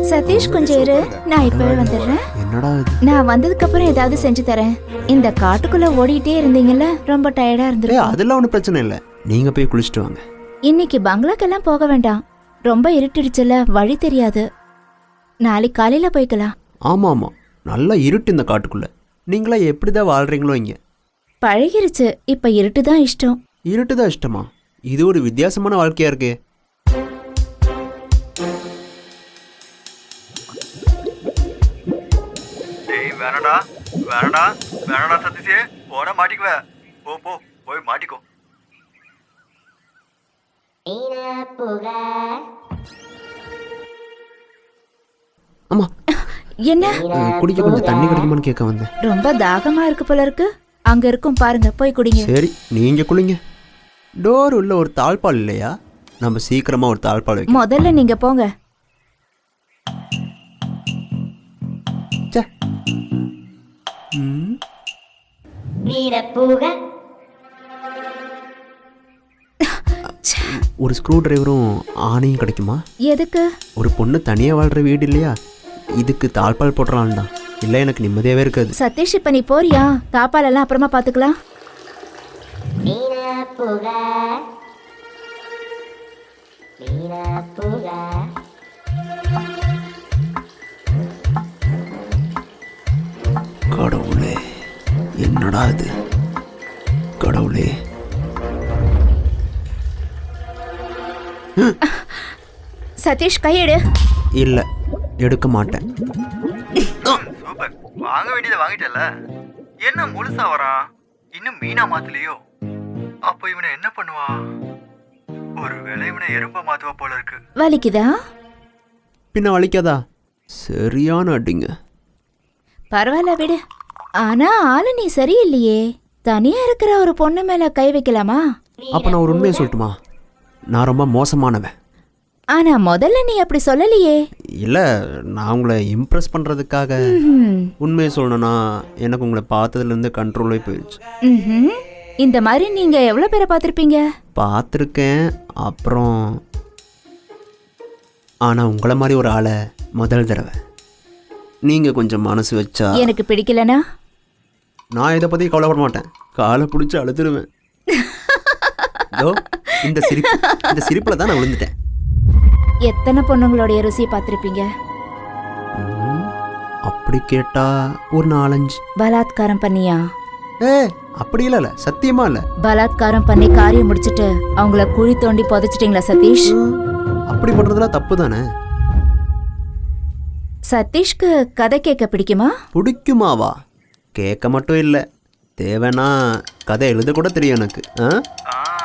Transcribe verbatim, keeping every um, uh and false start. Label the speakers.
Speaker 1: சதீஷ் கொஞ்சம் இரு, நான் இப்பவே வந்துடுறேன்.
Speaker 2: என்னடா இது?
Speaker 1: நான் வந்ததுக்கு அப்புறம் ஏதாவது செஞ்சு தரேன். இந்த காட்டுக்குள்ள ஓடிட்டே இருந்தீங்கல்ல, ரொம்ப டயர்டா
Speaker 2: ஏய்
Speaker 1: இருந்திருக்கும்.
Speaker 2: அதெல்லாம் ஒன்றும் பிரச்சனை இல்லை, நீங்கள் போய் குளிச்சுட்டு வாங்க.
Speaker 1: இன்னைக்கு பங்களாக்கெல்லாம் போக வேண்டாம், ரொம்ப இருட்டிடுச்சுல, வழி தெரியாது. நாளைக்கு காலையில போய்க்கலாம்.
Speaker 2: ஆமாம் ஆமாம், நல்லா இருட்டு இந்த காட்டுக்குள்ளே. நீங்களா எப்படி தான் வாழ்கிறீங்களோ இங்கே.
Speaker 1: பழகிருச்சு, இப்ப இருட்டு தான் இஷ்டம்.
Speaker 2: இருட்டு தான் இஷ்டமா? இது ஒரு வித்தியாசமான வாழ்க்கையாக இருக்கே.
Speaker 3: டேய் வேணடா வேணடா வேணடா சதீஷே, போட மாட்டிக்குவ. போ போ போய் மாட்டிக்கோ.
Speaker 2: ஆமாம்,
Speaker 1: என்ன
Speaker 2: குடிக்க கொஞ்சம் தண்ணி கிடைக்குமான்னு கேட்க வந்தேன்.
Speaker 1: ரொம்ப தாகமா இருக்கு போல இருக்கு. அங்க இருக்கும் பாருங்க, போய் குடிங்க.
Speaker 2: சரி நீங்கள் குளிங்க. டோர் உள்ள ஒரு தாழ்பால் இல்லையா? நம்ம சீக்கிரமாக ஒரு தாழ்பால் வைக்க.
Speaker 1: முதல்ல நீங்க போங்க.
Speaker 2: ம், ஒரு ஸ்க்ரூ டிரைவரும் ஆணையும் கிடைக்குமா?
Speaker 1: எதுக்கு?
Speaker 2: ஒரு பொண்ணு தனியாக வாழ்கிற வீடு இல்லையா, இதுக்கு தாழ்பால் போட்டுறான் தான். இல்லை எனக்கு நிம்மதியாகவே இருக்காது.
Speaker 1: சதீஷ், இப்ப நீ போறியா? தாப்பால் எல்லாம் அப்புறமா பாத்துக்கலாம்.
Speaker 2: கடவுளே, என்னடா இது? கடவுளே,
Speaker 1: சதீஷ், கையெடு.
Speaker 2: இல்லை எடுக்க மாட்டேன்.
Speaker 3: சூப்பர், வாங்க வேண்டியதை வாங்கிட்டல. என்ன முழுசா வரான், இன்னும் மீனா மாத்தலையோ? அப்ப இவனை என்ன பண்ணுவா? ஒருவேளை இவனை எறும்ப மாத்துவா போல இருக்கு.
Speaker 1: வலிக்குதா?
Speaker 2: பின்ன வலிக்காதா? சரியான அடிங்க.
Speaker 1: பரவாயில்ல விடு. ஆனா ஆளு நீ சரியில்லையே. தனியா இருக்கிற ஒரு பொண்ணு மேல கை வைக்கலாமா?
Speaker 2: அப்போ நான் ஒரு உண்மையை சொல்லட்டுமா? நான் ரொம்ப மோசமானவன்.
Speaker 1: ஆனா முதல்ல நீ அப்படி சொல்லலையே.
Speaker 2: இல்லை, நான் உங்களை இம்ப்ரெஸ் பண்ணுறதுக்காக
Speaker 1: ம்ஹும்.
Speaker 2: உண்மையை சொல்லணும்னா எனக்கு உங்களை பார்த்ததுலேருந்து கண்ட்ரோலே போயிடுச்சு.
Speaker 1: ம்ஹும். இந்த மாதிரி நீங்க எவ்வளவு பேரை பார்த்திருப்பீங்க?
Speaker 2: பார்த்துருக்கேன், அப்புறம் ஆனால் உங்களை மாதிரி ஒரு ஆளை முதல் தடவை. நீங்கள் கொஞ்சம் மனசு வச்சா
Speaker 1: எனக்கு பிடிக்கலனா
Speaker 2: நான் இதை பற்றி கவலைப்பட மாட்டேன், காலை பிடிச்சி அழுதுருவேன். இதோ இந்த சிரிப்பு, இந்த சிரிப்பில் தான் நான் விழுந்துட்டேன்.
Speaker 1: எத்தனை பொண்ணுங்களுடைய ருசியை பார்த்திருப்பீங்க?
Speaker 2: ம், அப்படி கேட்டா ஒரு நாலஞ்சு.
Speaker 1: பலாத்காரம் பண்ணியா?
Speaker 2: ஏ அப்படி இல்லை, சத்தியமா இல்லை.
Speaker 1: பலாத்காரம் பண்ணி காரியம் முடிச்சிட்டு அவங்கள குழி தோண்டி புதைச்சிட்டீங்களா சதீஷ்?
Speaker 2: அப்படி பண்ணுறதுலாம் தப்பு தானே.
Speaker 1: சதீஷ்க்கு கதை கேட்க பிடிக்குமா?
Speaker 2: பிடிக்குமாவா? கேட்க மட்டும் இல்லை, தேவைன்னா கதை எழுத கூட தெரியும் எனக்கு. ஆ
Speaker 3: ஆ